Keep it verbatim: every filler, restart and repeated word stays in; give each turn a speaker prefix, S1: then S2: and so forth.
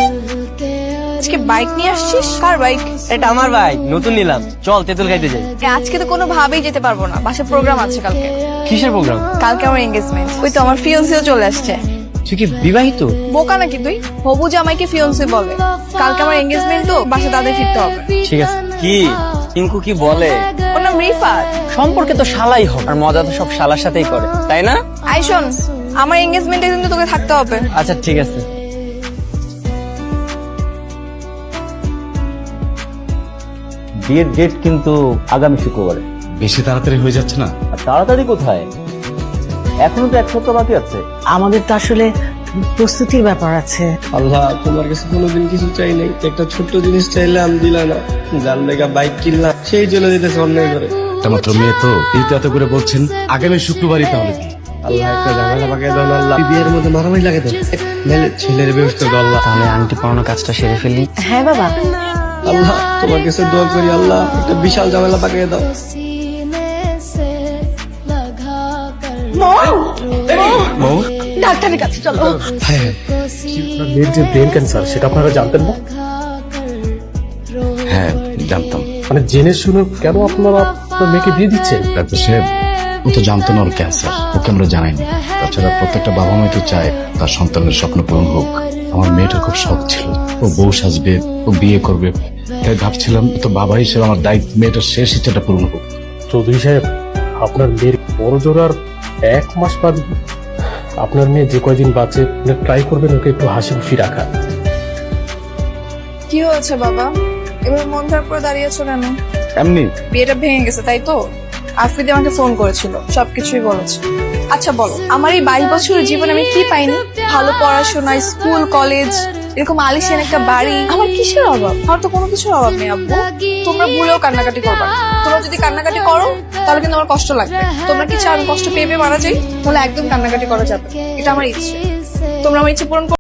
S1: আজকে বাইক নিয়ে আসছিস? কার বাইক?
S2: এটা আমার বাইক, নতুন নিলাম। চল তেঁতুল খাইতে যাই।
S1: আজকে তো কোনো ভাবেই যেতে পারবো না, বাসায় প্রোগ্রাম আছে কালকে।
S2: কিসের প্রোগ্রাম?
S1: কালকে আমার এঙ্গেজমেন্ট। ওই তো আমার ফিয়ন্সিও চলে আসছে।
S2: তুই কি বিবাহিত?
S1: বোকা নাকি তুই? হবু জামাইকে ফিয়ন্সি বলে। কালকে আমার এঙ্গেজমেন্ট, তো বাসা তাদের ফিরতে হবে।
S2: ঠিক আছে। কি টিঙ্কু কি বলে?
S1: ওর নাম রিফাত।
S2: সম্পর্কে তো শালাই হোক, আর মজা তো সব শালার সাথেই করে, তাই না?
S1: আই শোন, আমার এঙ্গেজমেন্টে কিন্তু তোকে থাকতে হবে।
S2: আচ্ছা ঠিক আছে।
S3: বিয়ের ডেট কিন্তু আগামী শুক্রবারে।
S4: বেশি তাড়াতাড়ি হয়ে যাচ্ছে না?
S3: আর তাড়াতাড়ি কোথায়, এখনো তো এক সপ্তাহ বাকি আছে।
S5: আমাদের তো আসলে প্রস্তুতির ব্যাপার আছে।
S6: আল্লাহ, তোমার কাছে কোনোদিন কিছু চাই নাই, একটা ছোট্ট জিনিস চাইলাম দিলা না। যার লেগা বাইক কিনলাম সেই জন্য দিতেছে অন্যায় করে।
S4: একটা মাত্র মেয়ে তো, এই তো এত করে বলছেন আগামী শুক্রবারই তাহলে বিয়ে।
S6: আল্লাহ, একটা ঝামেলা পাকিয়ে দাও না আল্লাহ। বিয়ের মধ্যে মারামারি লাগে তো, নাহলে ছেলের ব্যবস্থা করো আল্লাহ।
S2: তাহলে আংটি পরানোর কাজটা সেরে ফেলি।
S5: হ্যাঁ বাবা,
S6: আল্লাহ, তোমার কাছে দোয়া করি আল্লাহ, একটা বিশাল ঝামেলা পাকিয়ে দাও।
S5: ডাক্তারের কাছে চলো।
S7: মেয়ের যে ব্রেন ক্যান্সার সেটা আপনারা জানতেন না?
S4: হ্যাঁ জানতাম।
S7: মানে জেনে শুনে কেন আপনারা আপনার মেয়েকে বিয়ে দিচ্ছেন?
S4: ডাক্তার সাহেব, ও তো জানতো না ওর ক্যান্সার, ওকে আমরা জানাইনি। তাছাড়া প্রত্যেকটা বাবা মাই তো চায় তার সন্তানের স্বপ্ন পূরণ হোক। আমার মেয়েটার খুব শখ ছিল ও বউ সাজবে, ও বিয়ে করবে, তাই ভাবছিলাম তো বাবা হিসেবে আমার দায়িত্ব মেয়েটার শেষ ইচ্ছাটা পূরণ হোক।
S7: চৌধুরী সাহেব, আপনার মেয়ের বড় জোর আর এক মাস বাদ। আপনার মেয়ে যে কয়দিন বাঁচে ট্রাই করবেন ওকে একটু হাসি খুশি রাখা।
S1: কি হয়েছে বাবা, এবার মন খারাপ করে দাঁড়িয়েছো কেন?
S4: এমনি
S1: বিয়েটা ভেঙে গেছে তাই তো? আফ্রিদি আমাকে ফোন করেছিল, সবকিছুই বলেছে। আচ্ছা বলো, আমার এই বাইশ বছরের জীবনে আমি কি পাইনি? ভালো পড়াশোনা, স্কুল কলেজ, এরকম আলিশান একটা বাড়ি, আমার কিসের অভাব? আমার তো কোনো কিছুর অভাব নেই আব্বু। তোমরা ভুলেও কান্নাকাটি করবা না। তোমরা যদি কান্নাকাটি করো তাহলে কিন্তু আমার কষ্ট লাগবে। তোমরা কি চাও আমি কষ্ট পেয়ে পেয়ে মারা যাই? তাহলে একদম কান্নাকাটি করা যাবে, এটা আমার ইচ্ছে। তোমরা আমার ইচ্ছে পূরণ